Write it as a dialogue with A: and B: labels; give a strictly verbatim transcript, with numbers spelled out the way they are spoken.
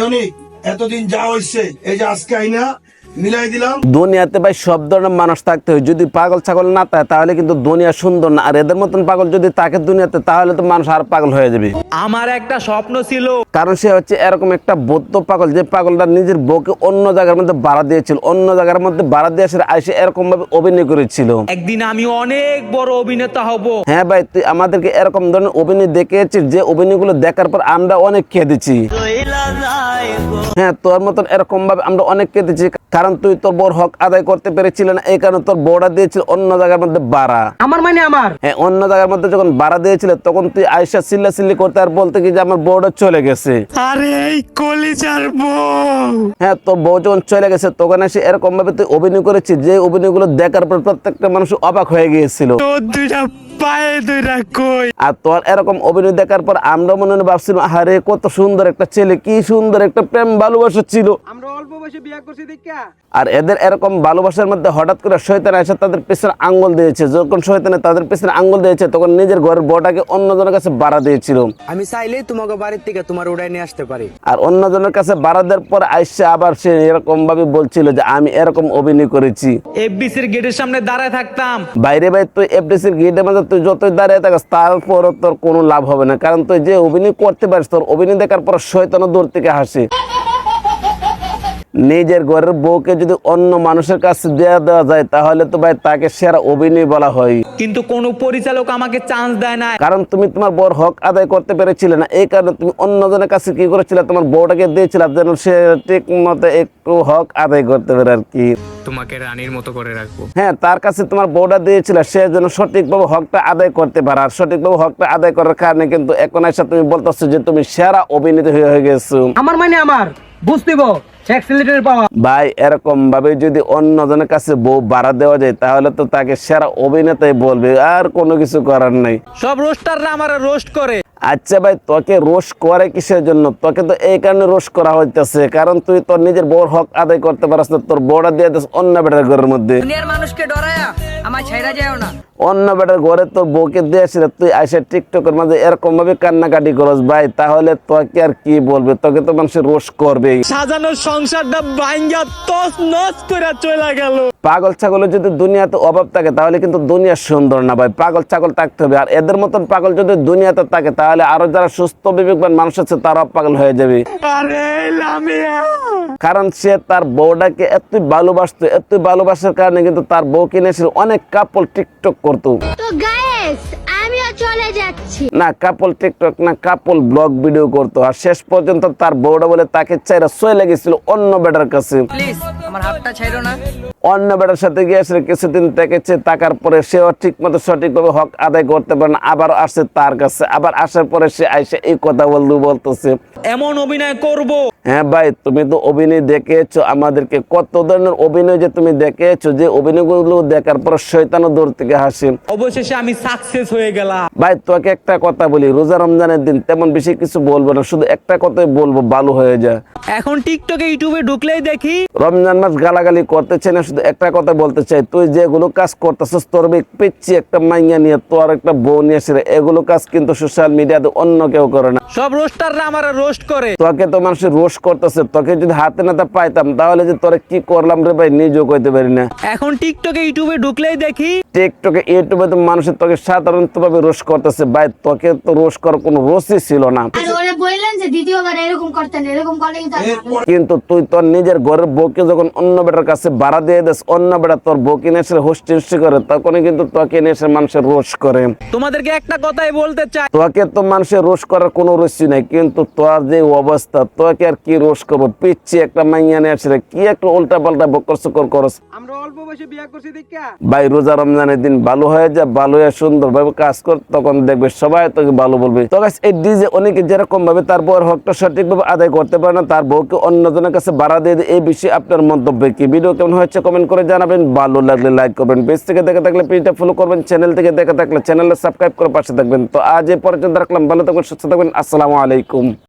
A: মানিক এতদিন যা হইছে এই যে আজকে আইনা মিলাই দিলাম।
B: দুনিয়াতে ভাই সব ধরনের মানুষ থাকতে হয়, যদি পাগল ছাগল না থাকে তাহলে কিন্তু দুনিয়া সুন্দর না। আর এদের মতন পাগল যদি থাকে দুনিয়াতে তাহলে তো মানুষ আর পাগল হয়ে যাবে।
C: আমার একটা স্বপ্ন ছিল,
B: কারণ সে হচ্ছে এরকম একটা বৌদ্ধ পাগল, যে পাগলটা নিজের বউকে অন্য জায়গার মধ্যে ভাড়া দিয়েছিল, অন্য জায়গার মধ্যে ভাড়া দিয়ে এসে আইসে এরকম ভাবে অভিনয় করেছিল।
C: একদিন আমি অনেক বড় অভিনেতা হব।
B: হ্যাঁ ভাই, তুই আমাদেরকে এরকম ধরনের অভিনয় দেখিয়েছিস যে অভিনয়গুলো দেখার পর আমরা অনেক কেঁদেছি। হ্যাঁ, তোর মতন এরকম ভাবে আমরা অনেক কেঁদেছি, কারণ তুই তোর বউর হক আদায় করতে পেরেছিল না, এই কারণে তোর বউটা দিয়েছিল অন্য জায়গার মধ্যে ভাড়া।
C: আমার মানে আমার
B: হ্যাঁ, অন্য জায়গার মধ্যে যখন ভাড়া দিয়েছিল তখন তুই আয়সা চিল্লা চিল্লি করতে আর বলতে কি যে আমার বউটা চলে গেছে।
C: আরে এই কলিজার বউ।
B: হ্যাঁ, তোর বউ যখন চলে গেছে তখন এসে এরকম ভাবে তুই অভিনয় করেছিস যে অভিনয়গুলো দেখার পর প্রত্যেকটা মানুষ অবাক হয়ে গিয়েছিল।
C: তোর দুইটা পায়ে দুইটা কই।
B: আর তোর এরকম অভিনয় দেখার পর আমরা মনে মনে ভাবছিলাম, আরে কত সুন্দর একটা ছেলে, কি সুন্দর একটা প্রেম ভালোবাসা ছিল।
C: আমরা অল্প বয়সে বিয়ে করছি দেখা।
B: আর এদের এরকম ভালোবাসার মধ্যে হঠাৎ করে শয়তান এসে তাদের পেছনে আঙ্গুল দিয়েছে। যখন শয়তানে তাদের পেছনে আঙ্গুল দিয়েছে তখন নিজের ঘরের বউটাকে অন্যজনের কাছে ভাড়া দিয়েছিল।
D: আমি চাইলেই তোমাকে বাড়ির থেকে তোমার উড়াই নিয়ে আসতে পারি।
B: আর অন্যজনের কাছে ভাড়া দেওয়ার পর আইসে আবার সে এরকম ভাবে বলছিল যে আমি এরকম অভিনয় করেছি।
C: এফবিসির গেটের সামনে দাঁড়ায় থাকতাম।
B: বাইরে ভাই তুই এফডিসির গেটের মধ্যে তুই যতই দাঁড়িয়ে থাকিস তারপরও তোর কোনো লাভ হবে না, কারণ তুই যে অভিনয় করতে পারিস তোর অভিনয় দেখার পর শয়তানও দূর থেকে হাসে। নিজের ঘরের বউকে যদি অন্য মানুষের কাছে দেওয়া দেওয়া যায় তাহলে তো ভাই তাকে সেরা অভিনয় বলা হয়।
C: কিন্তু কোন পরিচালক আমাকে চান্স দেয় না,
B: কারণ তুমি তোমার বউর হক আদায় করতে পেরেছিলে না, এই কারণে তুমি অন্যজনের কাছে কি করেছিলে, তোমার বউটাকে দিয়েছিলে যেন সে ঠিক মতো একটু হক আদায় করতে পারে আর কি।
C: তোমাকে রানীর মতো করে রাখবো।
B: হ্যাঁ, তার কাছে তোমার বউটা দিয়েছিল সে যেন সঠিকভাবে হকটা আদায় করতে পারে। আর সঠিকভাবে হকটা আদায় করার কারণে কিন্তু এখন এসে তুমি বলতেছো যে তুমি সেরা অভিনেতা হয়ে গেছো।
C: আমার মানে আমার বুঝতেইব এক্সিলেটর পাওয়া।
B: ভাই, এরকম ভাবে যদি অন্যজনের কাছে বউ ভাড়া দেওয়া যায় তাহলে তো তাকে সেরা অভিনেতাই বলবে, আর কোনো কিছু করার নাই।
C: সব রোস্টাররা আমারে রোস্ট করে।
B: আচ্ছা ভাই, তোকে রোস্ট করে কিসের জন্য? তোকে তো এই কারণে রোস্ট করা হইতেছে কারণ তুই তোর নিজের বউর হক আদায় করতে পারছ না, তোর বউটা দিয়ে দিস অন্য বেটার ঘরের মধ্যে।
E: দুনিয়ার মানুষকে ডরায়া আমার ছাইরা যায়ও না।
B: অন্য বেটার ঘরে তোর বউকে দিয়েছিল, তুই আইসা টিকটকের মাঝে এরকম ভাবে কান্নাকাটি করস ভাই, তাহলে তোকে আর কি বলবে? তোকে তো মানুষ রোস্ট করবে।
C: সাজানোর সংসারটা ভাঙ্গা তস নস করে চলে গেল।
B: পাগল ছাগলের যদি দুনিয়াতে অভাব থাকে তাহলে কিন্তু দুনিয়া সুন্দর না ভাই, পাগল ছাগল থাকতে হবে। আর এদের মতন পাগল যদি দুনিয়াতে থাকে তাহলে আরো যারা সুস্থ বিবেকবান মানুষ আছে তারাও পাগল হয়ে যাবে।
C: আরে লামিয়া,
B: কারণ সে তার বউটাকে এতই ভালোবাসতো, এতই ভালোবাসার কারণে কিন্তু তার বউ কিনেছিল অনেক কাপল টিকটক করতো।
F: তো গাইস আমিও চলে যাচ্ছি।
B: না কাপল টিকটক না, কাপল ব্লগ ভিডিও করতো। আর শেষ পর্যন্ত তার বউটা বলে তাকে চাইরা চলে গেছিল অন্য বেটার কাছে।
E: প্লিজ আমার হাতটা ছাইরো না।
B: অন্য বেটার সাথে গিয়েছিল, কিছুদিন থেকেছে, টাকার পরে সেও ঠিক মতো সঠিকভাবে হক আদায় করতে পারে না, আবার আসে তার কাছে। আবার আসার পরে সে আইসে এই কথা বলতে বলতেছে
C: এমন অভিনয় করব।
B: হ্যাঁ ভাই, তুমি তো অভিনয় দেখিয়েছো আমাদেরকে, কত ধরনের অভিনয় যে তুমি দেখিয়েছো, যে অভিনয়গুলো দেখার পর শয়তানও দূর থেকে হাসে।
C: অবশেষে আমি সাকসেস হয়ে গেলাম।
B: ভাই তোকে একটা কথা বলি, রোজা রমজানের দিন তেমন বেশি কিছু বলবো না, শুধু একটা কথাই বলবো, ভালো হয়ে যায়।
C: এখন টিকটকে ইউটিউবে ঢুকলেই দেখি
B: রমজান মাস গালাগালি করতে চাই না, শুধু একটা কথা বলতে চাই, তুই যেগুলো কাজ করতেছিস তোর পিচ্ছি একটা মাইয়া নিয়ে, তোর একটা বউ নিয়ে এসে এগুলো কাজ কিন্তু সোশ্যাল মিডিয়াতে অন্য কেউ করে না।
C: সব রোস্টাররা আমারে রোস্ট করে।
B: তোকে তো মানুষের রোস্ট করতেছে, তোকে যদি হাতে নাতে পাইতাম তাহলে যে তোরে কি করলাম রে ভাই নিজেও কইতে পারি না।
C: এখন টিকটকে ইউটিউবে ঢুকলেই দেখি
B: টিকটকে ইউটিউবে তো মানুষের তোকে সাধারণত ভাবে রোস্ট করতেছে। ভাই তোকে তো রোস্ট করার কোনো রোস্টই ছিল না,
F: আর ওরে বললেন যে দ্বিতীয়বার এরকম করতেন, এরকম করলে কিন্তু
B: কিন্তু তুই তোর নিজের ঘরের বউকে যখন অন্য বেটার কাছে ভাড়া দিয়ে দিস, অন্য বেটা তোর বউকে নিয়ে এসে হোস্টি হোস্টি করে, তখনই কিন্তু তোকে নিয়ে এসে মানুষের রোস্ট করে।
C: তোমাদেরকে একটা কথাই বলতে চাই,
B: তোকে তো মানুষের রোস্ট করার কোনো রুচি নাই, কিন্তু তোর যে অবস্থা তোকে আর কি রোস্ট করবো? পিচ্ছি একটা মাইয়া নিয়ে আসে কি একটা উল্টা পাল্টা বকর সকর করস।
C: আমরা অল্প বয়সে বিয়ে করছি দেখা।
B: ভাই রোজা রমজানের দিন ভালো হয়ে যা, ভালো হয়ে সুন্দর ভাবে কাজ কর, তখন দেখবে সবাই তোকে ভালো বলবে। তো গাইস, এই ডিজে অনেকে যেরকম ভাবে তার বউয়ের হকটা সঠিক ভাবে আদায় করতে পারে না, তার বউকে অন্যজনের কাছে ভাড়া দিয়ে দেয়, এই বিষয়ে আপনার মন্তব্য কি? ভিডিও কেমন হয়েছে কমেন্ট করে জানাবেন, ভালো লাগলে লাইক করবেন, পেজ থেকে দেখে থাকলে পেজটা ফলো করবেন, চ্যানেল থেকে দেখে থাকলে চ্যানেলটা সাবস্ক্রাইব করে পাশে থাকবেন। তো আজ এই পর্যন্ত রাখলাম, ভালো থাকবেন, সুস্থ থাকবেন, আসসালামু আলাইকুম।